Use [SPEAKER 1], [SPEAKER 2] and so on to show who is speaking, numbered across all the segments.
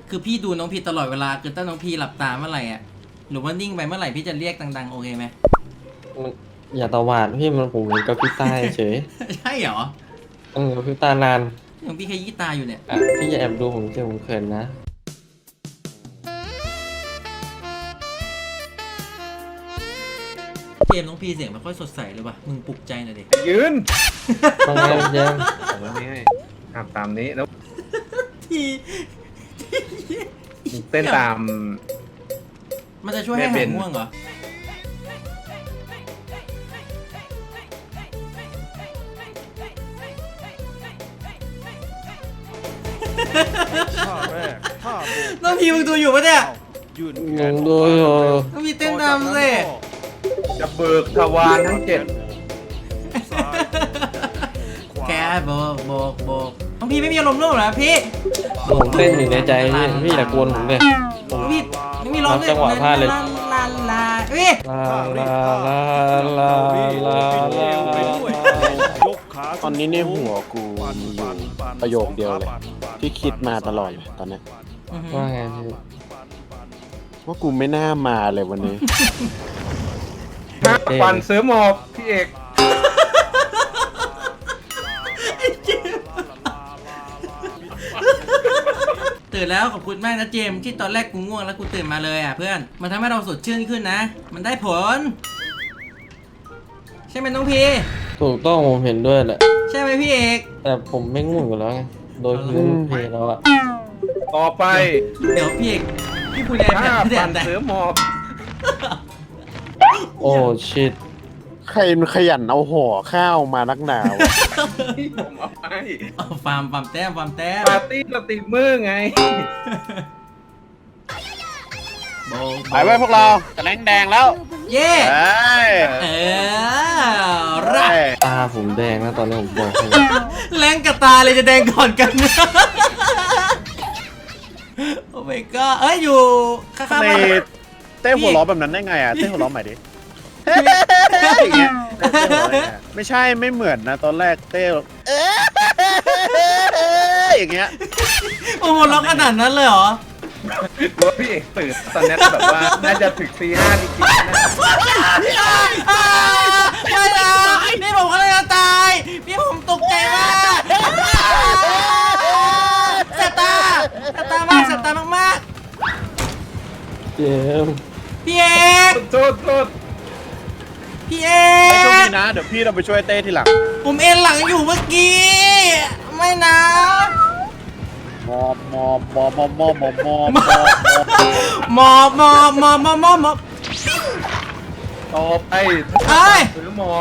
[SPEAKER 1] คือพี่ดูน้องพีตลอดเวลาคือถ้าน้องพีหลับตาเมื่อไหร่อ่ะหรือว่านิ่งไปเมื่อไหร่พี่จะเรียกดังๆโอเคไหม
[SPEAKER 2] มันอย่าตวาดพี่มันผมเห็นกับพี่ตาเฉย
[SPEAKER 1] ใช่เหรอ
[SPEAKER 2] กับพี่ตานาน
[SPEAKER 1] น้องพี่แค่ยี่ตาอยู่เนี่ย
[SPEAKER 2] อ่ะพี่อย่าแอบดูผมเจอผมเขินนะ
[SPEAKER 1] เกมน้องพีเสียงไม่ค่อยสดใสเลยว่ะมึงปลุกใจหน่อยดิ
[SPEAKER 3] ยืน
[SPEAKER 2] ต้องไงเจมส์
[SPEAKER 3] ผมว่าไม่ให้ทำตามนี้แล้ว
[SPEAKER 1] ที
[SPEAKER 3] เต้นตาม
[SPEAKER 1] มันจะช่วยให้
[SPEAKER 3] แม่
[SPEAKER 1] หา
[SPEAKER 3] เบ
[SPEAKER 1] ย
[SPEAKER 3] น
[SPEAKER 1] ง่วงเหรอ
[SPEAKER 4] ท่าแรกท่าโบก
[SPEAKER 1] น้องพีมึงดูอยู่ปะเนี่ย
[SPEAKER 4] ยืน
[SPEAKER 2] งงดูอยู่
[SPEAKER 1] น้องพีเต้นตามสิ
[SPEAKER 3] จะเบิกทวารทั้งเจ็ด
[SPEAKER 4] ซ้ายขวา
[SPEAKER 1] แกโบกโบกโบกน้องพีไม่มีอารมณ์ร่วมเหรอพี่
[SPEAKER 2] ผมเต้นอยู่ในใจพี่อย่ากวนผมเลย
[SPEAKER 1] น้องพีไม่มีร้องเลย
[SPEAKER 2] จังหวะพลาดเลย
[SPEAKER 1] ลาลาลาเฮ้ย
[SPEAKER 2] ลาลาลาลาลาลา
[SPEAKER 4] ยกขา
[SPEAKER 5] ตอนนี้ในหัวกูมีอยู่ประโยคเดียวเลย ที่คิดมาตลอดเลยตอนเนี้ย
[SPEAKER 2] ว่าไงพี่
[SPEAKER 5] ว่ากูไม่น่ามาเลยวันนี้
[SPEAKER 3] ฟันเสือหมอบพี่เอก
[SPEAKER 1] ตื่นแล้วขอบคุณมากนะเจมส์ที่ตอนแรกกูง่วงแล้วกูตื่นมาเลยอ่ะเพื่อนมันทำให้เราสดชื่นขึ้นนะ มันได้ผล ใช่ไหมน้องพี
[SPEAKER 2] ถูกต้องผมเห็นด้วยแหละ
[SPEAKER 1] ใช่ไหมพี่เอก
[SPEAKER 2] แต่ผมไม่ง่วงอยู่แล้วไงโดยพื้นเพแล้วอะ
[SPEAKER 3] ต่อไป
[SPEAKER 1] เดี๋ยวพี่เอกพี่คุณแอน
[SPEAKER 3] ถ้า
[SPEAKER 1] แด
[SPEAKER 3] ฟั
[SPEAKER 1] น
[SPEAKER 3] น
[SPEAKER 1] แต่
[SPEAKER 3] เสือหมอบ
[SPEAKER 2] โอ้ชิต
[SPEAKER 5] ใครมันขยันเอาห่อข้าวมานักหนาว
[SPEAKER 3] ที่ผมเอาไป
[SPEAKER 1] ฟาร์มแต้มฟาร์มแต้ม
[SPEAKER 3] ปาร์ตี้สตรีมเมอร์ไง
[SPEAKER 1] โบ
[SPEAKER 5] ไปไว้พวกเราจะแรงแดงแล้ว
[SPEAKER 1] เย่
[SPEAKER 5] เอ้ย
[SPEAKER 1] เออรัก
[SPEAKER 2] ตาผมแดงนะตอนนี้ผมบอกให้
[SPEAKER 1] แรงกับตาเลยจะแดงก่อนกัน โอ้ my god เอ้ยอยู่ข้างๆ
[SPEAKER 5] ใน
[SPEAKER 1] บ้าน
[SPEAKER 5] เต้หัวล้อแบบนั้นได้ไงอ่ะ เต้หัวล้อใหม่ดิอย่างเงี้ยเต้หัวเราะอย่างเงี้ยไม่ใช่ไม่เหมือนนะตอนแรกเต้อย่างเงี้ย
[SPEAKER 1] โอ้โหล็อกขนาดนั้นเลยเหรอ
[SPEAKER 3] ว่าพี่เอกตื่นตอนนี้แบบว่าน่าจะถึงตีห้าจริงๆนะ
[SPEAKER 1] ไม่นะพี่ผมก็เลยจะตายพี่ผมตกใจมากแสบตาแสบตามาก
[SPEAKER 2] เจมส์
[SPEAKER 1] ๆพี่เอก
[SPEAKER 3] โทษ
[SPEAKER 1] พี่เอ
[SPEAKER 5] ไอ้โชค
[SPEAKER 1] ก
[SPEAKER 5] ดีนะ เดี๋ยวพี่เราไปช่วยเต้ทีหลัง
[SPEAKER 1] ผมเอ็นหลังอยู่เมื่อกี้ ไม่นะ
[SPEAKER 5] มอบมอบมอบมอบมอบมอบมอบ
[SPEAKER 1] หมอบ
[SPEAKER 3] ต่อไป
[SPEAKER 1] เอ้ย
[SPEAKER 3] เสือหมอบ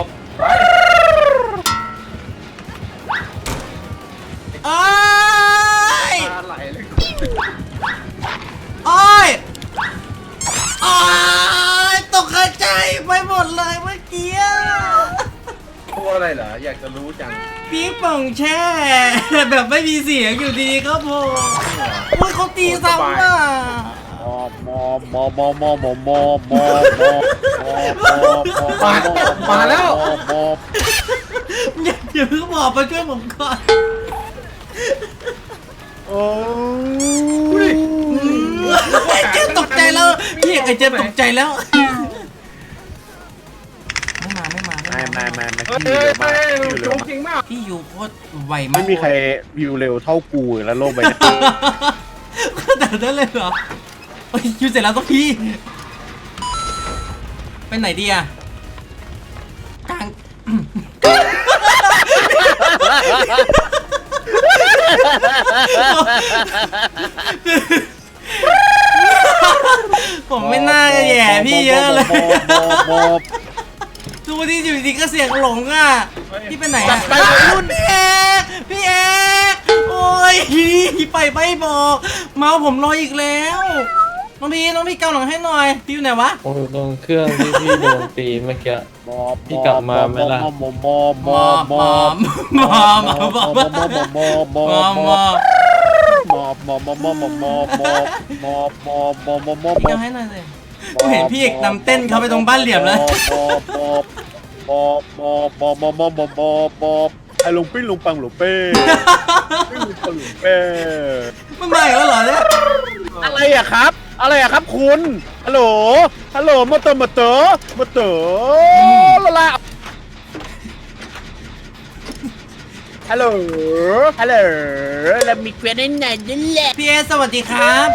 [SPEAKER 1] เอ้ย
[SPEAKER 3] ตาไหลเลย
[SPEAKER 1] โอ้ยตกใจไปหมดเลยเมื่อกี้
[SPEAKER 3] ตัวอะไรเหรออยากจะรู้จัง
[SPEAKER 1] ปี๊บป่องแช่ แบบไม่มีเสียงอยู่ดีครับผมโอ้ยเขาตีซ้ำอ่ะ
[SPEAKER 5] มอบมอบมอบมอบมอบมอบมอบมอบมอบ
[SPEAKER 3] มาแล้ว
[SPEAKER 5] มอบ
[SPEAKER 1] อย่าเพิ่งบอกมาช่วยผมก่อน
[SPEAKER 5] โอ้
[SPEAKER 1] ไอ้เจ๊ตกใจแล้วพี่เอกไอ้เจ๊ตกใจแล้วไม่มา
[SPEAKER 5] ไม่
[SPEAKER 3] เฮ้ย
[SPEAKER 5] พี่เร็วมาก
[SPEAKER 3] จงจริงมาก
[SPEAKER 1] พี่ยูโคตรไวมาก
[SPEAKER 5] ไม่มีใครวิวเร็วเท่ากูแล้วโลกใบนี้
[SPEAKER 1] ขนาดนั้นเลยเหรอโอ้ยยูเสร็จแล้วก็พี่ไปไหนดีอะกลาง ผมไม่น่าจะแย่พี่เยอะเลย
[SPEAKER 5] มอบ
[SPEAKER 1] ดูที่อยู่ดีก็เสียงหลงอ่ะพี่ไปไหนอ่ะรุ่นพี่เอกโอ้ยไปไม่บอกเมาผมรออีกแล้วน้องพี่เกาหลังให้หน่อยพี่อยู่ไหนวะ
[SPEAKER 2] ผมอยู่ตรงเครื่องที่พี่โดนตีเมื่อกี้
[SPEAKER 5] มอบ
[SPEAKER 2] พี่กลับมาไหมล่ะ
[SPEAKER 5] มอบมอบมอบมอบมอบ
[SPEAKER 1] มอ
[SPEAKER 5] มอบมอบมอบมอบมอบมอบ
[SPEAKER 1] มอ
[SPEAKER 5] มอบมอบมอบมอบมอบมอบมอบมอบมอบมอบมอบ
[SPEAKER 1] พี่เกาให้หน่อยสิผมเห็นพี่เอกนำเต้นเขาไปตรงบ้านเหลี่ยมแล้ว
[SPEAKER 5] มอบมอบมอบมอบมอบมอบมอบมอบไอ้ลุงปิ้งลุงปังลุงเป้ปิ้งลุงปังลุงเป้
[SPEAKER 1] มันมาอีกแล้วเหรอเนี่ย
[SPEAKER 5] อะครับ อะไรอะครับคุณฮัลโหลฮัลโหลมาเตอร์ละละฮัลโหลเรามีเกวียนให้ไหนนั่นแหละ
[SPEAKER 1] พี่เอสวัสดีครับ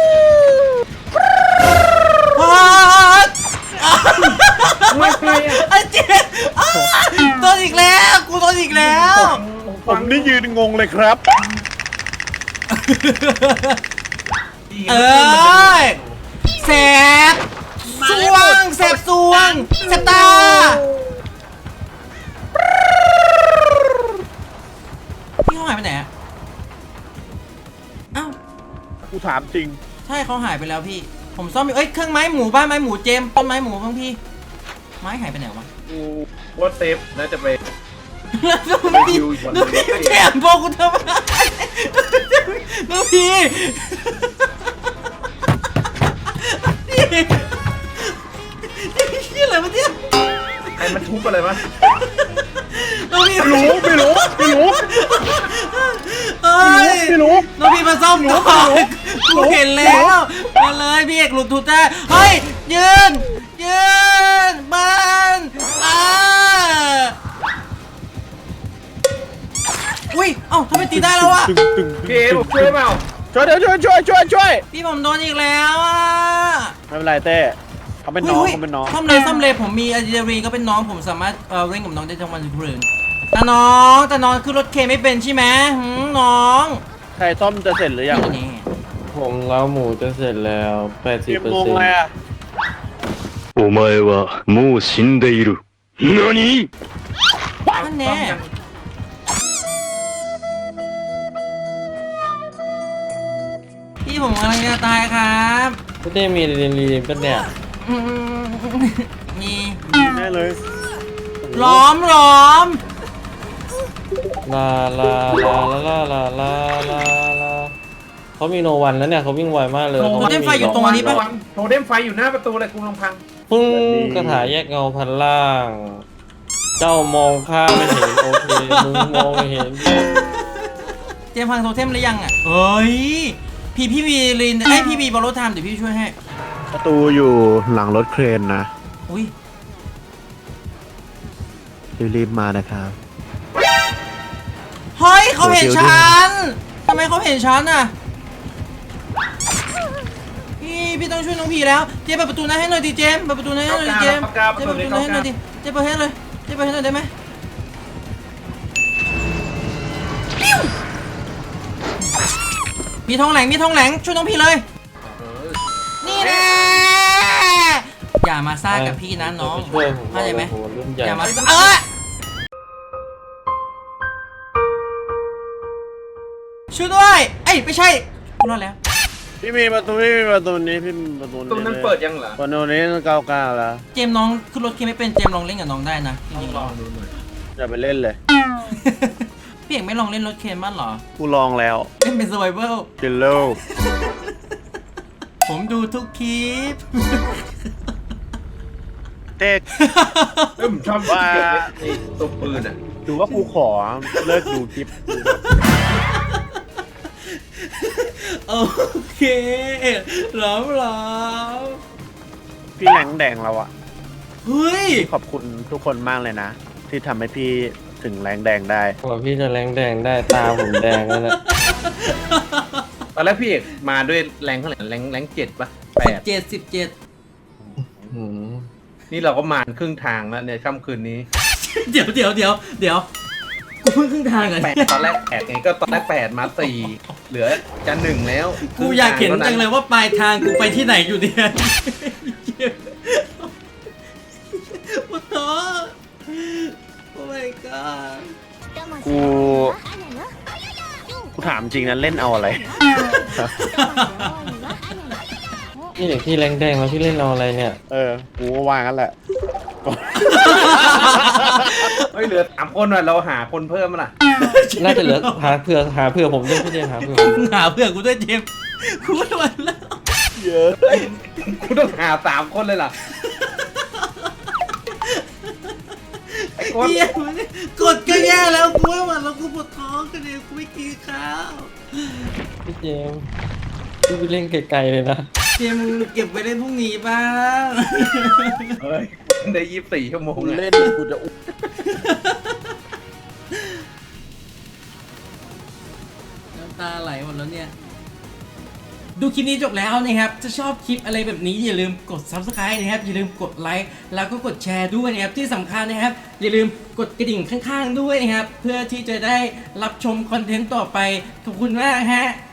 [SPEAKER 1] พอด
[SPEAKER 3] ไม่ใช่อะ
[SPEAKER 1] ไอ้เจ๊โดนอีกแล้วกูโดนอีกแล้ว
[SPEAKER 5] ผมนี่ยืนงงเลยครับ
[SPEAKER 1] เอ้ยแสบสวงแสบสวงแสบตาพี่เขาหายไปไหนอะอ้าว
[SPEAKER 5] กูถามจริง
[SPEAKER 1] ใช่เขาหายไปแล้วพี่ผมซ่อมอยู่เอ้ยเครื่องไม้หมูบ้านไม้หมูเจมต้นไม้หมูบ้างพี่ไม้หายไปไหนวะ
[SPEAKER 3] กูว่าเซฟน่าจะไป
[SPEAKER 1] แล้วพี่แล้วพี่แถมบอกกูทำไมแล้วพี่นี่อะไรวะเนี่ย
[SPEAKER 3] ใครมันทุบอะไรวะ
[SPEAKER 1] แล้วพี่
[SPEAKER 5] ไม่รู้
[SPEAKER 1] เอ้ย
[SPEAKER 5] ไม่รู้
[SPEAKER 1] แล้วพี่มาซ่อมก่อนกูเห็นแล้วมาเลยพี่เอกหลุดทุดได้เฮ้ยยืนมันอุ้ยเอ้าทำไมตีได้แล้วอะ
[SPEAKER 3] เกมช่วยเปล่า
[SPEAKER 5] ช่วย
[SPEAKER 1] พี่ผมโดนอีกแล้วอะ
[SPEAKER 5] ไม่เป็นไรเต้เขาเป็นน้องเขาเป็นน้อง
[SPEAKER 1] ซ่อมเลยผมมีอะดรีนาลีนก็เป็นน้องผมสามารถเล่นกับน้องได้ทั้งวันทั้งคืนแต่น้องขึ้นรถเคไม่เป็นใช่ไหมน้อง
[SPEAKER 5] ใครซ่อมจะเสร็จหรือยัง
[SPEAKER 1] นี่
[SPEAKER 2] ผมเล้าหมูจะเสร็จแล้ว
[SPEAKER 5] เตรียมงง
[SPEAKER 2] 80%
[SPEAKER 5] เลยอะ
[SPEAKER 6] お前はもう死んでいる。何？
[SPEAKER 1] นั่นแน่พี่ผมกำลังจะตายครับ
[SPEAKER 2] พี่เต้มีเรียนเป็นเนี่ย
[SPEAKER 1] อืมมี
[SPEAKER 5] แน่เลย
[SPEAKER 1] ล้อม
[SPEAKER 2] ลาเขามีโนวันแล้วเนี่ยเขาวิ่งไวมากเลย
[SPEAKER 1] โทเทมไฟอยู่ตรงนี้ปะ
[SPEAKER 3] โทเทมไฟอยู่หน้าประตูเลยกูลองพัง
[SPEAKER 2] ปึ้งกระถาแยกเงาพันล่าง เจ้ามองข้าไม่เห็นโอเคมึงมองไม่เห็น
[SPEAKER 1] เจมส์พังโทเทมหรือยังอ่ะเฮ้ยพี่มีลินพี่มีบอลโลไทม์เดี๋ยวพี่ช่วยให้
[SPEAKER 5] ประตูอยู่หลังรถเครนนะ
[SPEAKER 1] อุ้ย
[SPEAKER 5] รีบมานะครับ
[SPEAKER 1] เฮ้ยเขาเห็นฉันทำไมเขาเห็นฉันอ่ะพี่ต้องช่วยน้องพีแล้วเจ๊เปิดประตูนั้นให้หน่อยดิเจมส์เปิดประตูนั้นให้หน่อยดิเจมส์เจ๊เปิดประตูนั้นให้หน่อยดิเจ๊เปิดให้เลยเจ๊เปิดให้หน่อยได้ไหมมีทองแหลงช่วยน้องพีเลยนี่แน่อย่ามาซ่ากับพี่นะน้อง
[SPEAKER 2] ช่วยผม
[SPEAKER 1] เข้าใจไหม
[SPEAKER 2] โอ้โรุ่นใหญ่
[SPEAKER 1] อย่ามาช่วยด้วยเอ้ยไม่ใช่กูรอดแล้ว
[SPEAKER 5] พี่มีประตูนี้พี่มีประตูนี้
[SPEAKER 3] ตู้นั้นเปิดยังเหรอ
[SPEAKER 5] ประตูนี้99แล้ว
[SPEAKER 1] เจมส์น้องขึ้นรถเคไม่เป็นเจมส์ลองเล่นกับน้องได้นะจริงๆ
[SPEAKER 3] ลองดูหน่อย
[SPEAKER 5] อย่าไปเล่นเลย
[SPEAKER 1] พี่เอกไม่ลองเล่นรถเคนบ้างเหรอ
[SPEAKER 5] กูลองแล้ว
[SPEAKER 1] เล่นเป็น survival
[SPEAKER 5] กินโล
[SPEAKER 1] ผมดูทุกคลิป
[SPEAKER 5] เต็ก
[SPEAKER 3] ผมชอบว่าไอ้ตัวปืนอ่ะ
[SPEAKER 5] ดูว่ากูขอเลิกดูคลิป
[SPEAKER 1] โอเคหลอม
[SPEAKER 5] พี่แหลงแดงเราอะ
[SPEAKER 1] เฮ้ย
[SPEAKER 5] ขอบคุณทุกคนมากเลยนะ ที่ทำให้พี่ถึงแรงแดงได้
[SPEAKER 2] กว่าพี่จะแรงแดงได้ตาผมแดงแล้วเนี่ย
[SPEAKER 3] ตอนแรกพี่เอกมาด้วยแรงเท่าไหร่แรง7ปะ8
[SPEAKER 1] 17
[SPEAKER 2] หืม
[SPEAKER 3] นี่เราก็มาครึ่งทางแล้วเนี่ยค่ำคืนนี้
[SPEAKER 1] เดี๋ยวกูเพิ่งครึ่งทางเหรอ
[SPEAKER 3] 8ตอนแรก8ไงก็ตอนแรก8มา4เหลือจะ1แล้ว
[SPEAKER 1] กูอยากเห็นจังเลยว่าปลายทางกูไปที่ไหนอยู่เนี่ยโอ้โหโอ้ my god
[SPEAKER 5] กูถามจริงนะเล่นเอาอะไร
[SPEAKER 2] พี่เด็กที่แรงแดงแล้วพี่เล่นเอาอะไรเนี่ย
[SPEAKER 5] กูก็ว่างั้นแหละ
[SPEAKER 3] เฮ้ยเหลือ3คนว่ะเราหาคนเพิ่มมั้ยล่ะ
[SPEAKER 2] น่าจะเหลือหาเผื่อผมด้วยพี่เจมส์หาเผื่อผม
[SPEAKER 1] หาเพื่อนกูด้วยเจมส์กูไม่ไหวแล้ว
[SPEAKER 5] เยอะ
[SPEAKER 3] กูต้องหา3คนเลยล่ะไอ้คน
[SPEAKER 1] เหี้ยกดก็แย่แล้วกูไม่ไหวแล้วกูปวดท้องกันเองกูไม่กินข้าว
[SPEAKER 2] พี่เจมส์พี่ไปเล่นไกลๆเลยนะ
[SPEAKER 1] เจมมึงเก็บไว้เล่นพรุ่งนี้บ้าง
[SPEAKER 3] เฮ้ยได้24 ชั่วโมง
[SPEAKER 5] กู
[SPEAKER 3] อะ
[SPEAKER 5] เล่นกูจะอุ้ม
[SPEAKER 1] น้ำตาไหลหมดแล้วเนี่ย ดูคลิปนี้จบแล้วนะครับ ถ้าชอบคลิปอะไรแบบนี้อย่าลืมกด subscribe นะครับ อย่าลืมกดไลค์แล้วก็กดแชร์ด้วยนะครับ ที่สำคัญนะครับ อย่าลืมกดกระดิ่งข้างๆด้วยนะครับ เพื่อที่จะได้รับชมคอนเทนต์ต่อไป ขอบคุณมากฮะ